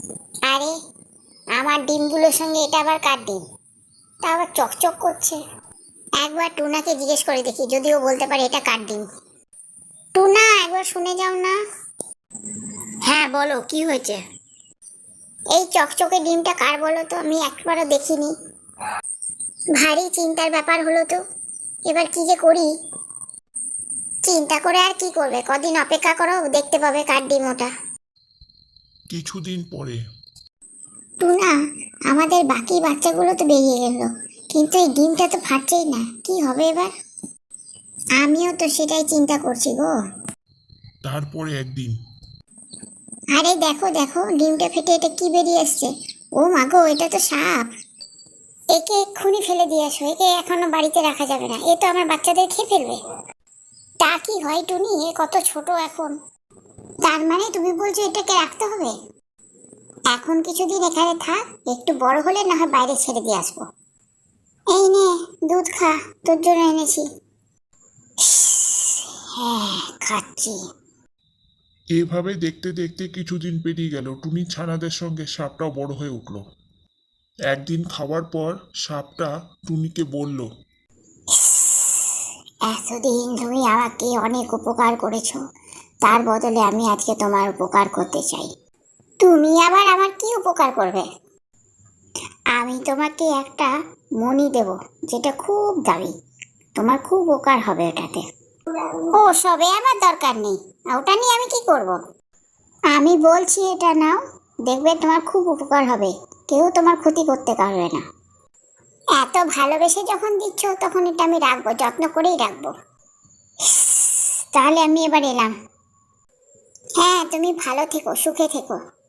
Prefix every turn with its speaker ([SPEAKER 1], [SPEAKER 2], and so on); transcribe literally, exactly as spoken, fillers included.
[SPEAKER 1] আরে, আমার ডিমগুলোর সঙ্গে এটা আবার কার ডিম? তা আবার চকচক করছে। একবার টুনাকে জিজ্ঞেস করে দেখি, যদিও বলতে পারে এটা কার ডিম। টুনা, একবার শুনে যাও না। হ্যাঁ বলো, কি হয়েছে? এই চকচকে ডিমটা কার বলো তো, আমি একবারও দেখিনি। ভারী চিন্তার ব্যাপার হলো তো। এবার কি যে করি। চিন্তা করে আর কি করবে, কদিন অপেক্ষা করো, দেখতে পাবে কার ডিম ওটা।
[SPEAKER 2] কিছুদিন পরে।
[SPEAKER 1] টুনা, আমাদের বাকি বাচ্চাগুলো তো বেরিয়ে গেল, কিন্তু এই ডিমটা তো ফাটছেই না, কি হবে এবার? আমিও তো সেটাই চিন্তা করছি গো।
[SPEAKER 2] তারপরে একদিন।
[SPEAKER 1] আরে দেখো দেখো, ডিমটা ফেটে এটা কি বেরিয়ে আসছে। ও মা গো, এটা তো সাপ। একে এক্ষুনি ফেলে দিয়ে আসো, একে এখনো বাড়িতে রাখা যাবে না, এ তো আমার বাচ্চাদের খেয়ে ফেলবে। তা কি হয় টুনি, এ কত ছোট এখন। তার মানে তুমি বলছো এটাকে রাখতে হবে? এখন কিছুদিন এখানে থাক, একটু বড় হলে না হয় বাইরে ছেড়ে দিয়ে আসবো। এই নে, দুধ খা, তোর জন্য এনেছি। হ্যাঁ, খাচ্ছি।
[SPEAKER 2] এভাবে দেখতে দেখতে কিছুদিন পেরিয়ে গেল। টুনি ছানাদের সঙ্গে সাপটাও বড় হয়ে উঠল। একদিন খাওয়ার পর সাপটা টুনিকে বলল,
[SPEAKER 1] এতদিন তুমি আমাকে অনেক উপকার করেছো, তার বদলে আমি আজকে তোমার উপকার করতে চাই। তুমি আবার আমার কি উপকার করবে? আমি তোমাকে একটা মণি দেব, যেটা খুব দামি। তোমার খুব উপকার হবে ওটাতে। ও সবে আমার দরকার নেই, ওটা নিয়ে আমি কি করব? আমি বলছি এটা নাও, দেখবে তোমার খুব উপকার হবে, কেউ তোমার ক্ষতি করতে পারবে না। এত ভালোবেসে যখন দিচ্ছ, তখন এটা আমি রাখবো, যত্ন করেই রাখবো। তাহলে আমি এবার এলাম। হ্যাঁ, তুমি ভালো থেকো, সুখে থেকো।